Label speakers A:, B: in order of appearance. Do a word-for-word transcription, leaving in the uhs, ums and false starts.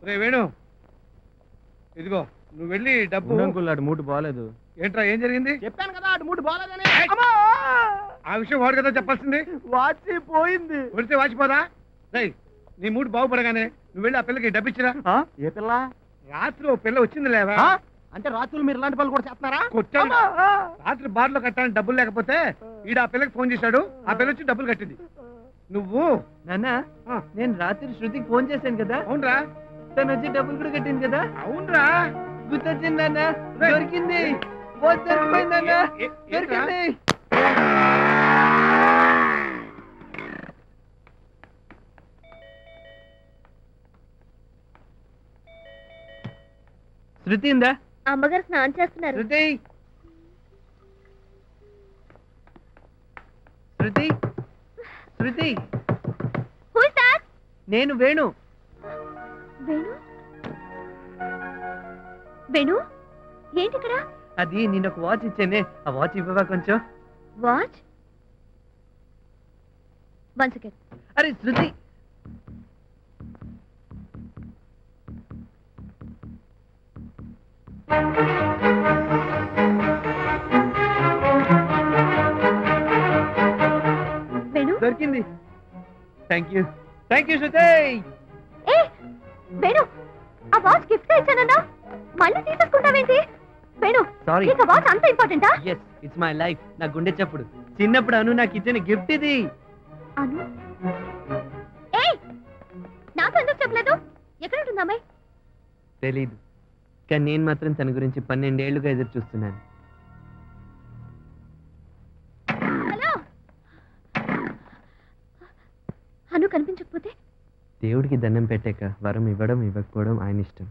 A: రే వేణు, ఇదిగో నువ్వు వెళ్ళి డబ్బు.
B: అంకుల్ అటు మూడు బాగాలేదు.
A: ఏంట్రా ఏం జరిగింది?
B: చెప్పాను కదా అటు మూడు బాగాలేదని.
A: ఆ విషయం వాడు కదా చెప్పాల్సింది.
B: వాచి పోయింది.
A: కొడితే వాచిపోదా? రేయ్, నీ మూడు బాగుపడగానే నువ్వు వెళ్ళి ఆ పిల్లకి డబ్బు ఇచ్చిరా.
B: ఏ పిల్ల?
A: రాత్రి ఓ పిల్ల వచ్చింది లేవా?
B: అంటే రాత్రులు మీరు ఇలాంటి పనులు కూడా చేస్తున్నారా?
A: కొట్టాను. రాత్రి బార్లో కట్టాలని డబ్బులు లేకపోతే ఈడ ఆ పిల్లకి ఫోన్ చేశాడు. ఆ పిల్ల వచ్చి డబ్బులు కట్టింది. నువ్వు
B: నాన్న, నేను రాత్రి శృతికి ఫోన్ చేశాను కదా.
A: అవునరా?
B: తను వచ్చి డబ్బులు కూడా కట్టింది కదా.
A: అవునరా?
B: గుర్తొచ్చింది నాన్న. దొరికింది. దొరికిపోయింది నాన్న. దొరికింది. శృతి ఉందా?
C: అమ్మగారు స్నానం చేస్తున్నారు.
B: శృతి, శృతి, శృతి.
C: Who is that?
B: నేను వేణు.
C: వేణు? వేణు ఏంటి ఇక్కడ?
B: అది నేను ఒక వాచ్ ఇచ్చానే, ఆ వాచ్ ఇవ్వవా కొంచెం?
C: వాచ్? One second.
B: అరే శృతి,
C: వేణు
B: దొరికింది. Thank you, thank you Shruti.
C: ఏ వేణు, ఆ వాచ్ గిఫ్ట్ గా ఇచ్చానన్నా, మళ్ళీ తీసేసుకుంటావేంటి? వేణు,
B: Sorry.
C: నీకు ఆ వాచ్ అంత ఇంపార్టెంటా?
B: Yes, it's my life. నా గుండె చప్పుడు. చిన్నప్పుడు అను నాకు ఇచ్చిన గిఫ్ట్ ఇది.
C: అను? ఏయ్, నాకు ఎందుకు చెప్పలేదు? ఎక్కడ ఉంటుంది అమ్మాయి?
B: తెలీదు, కానీ నేను మాత్రం తన గురించి పన్నెండేళ్లుగా ఎదురు చూస్తున్నాను.
C: హలో, అను కనిపించకపోతే?
B: దేవుడికి దండం పెట్టాక వరం ఇవ్వడం ఇవ్వకపోవడం ఆయన ఇష్టం.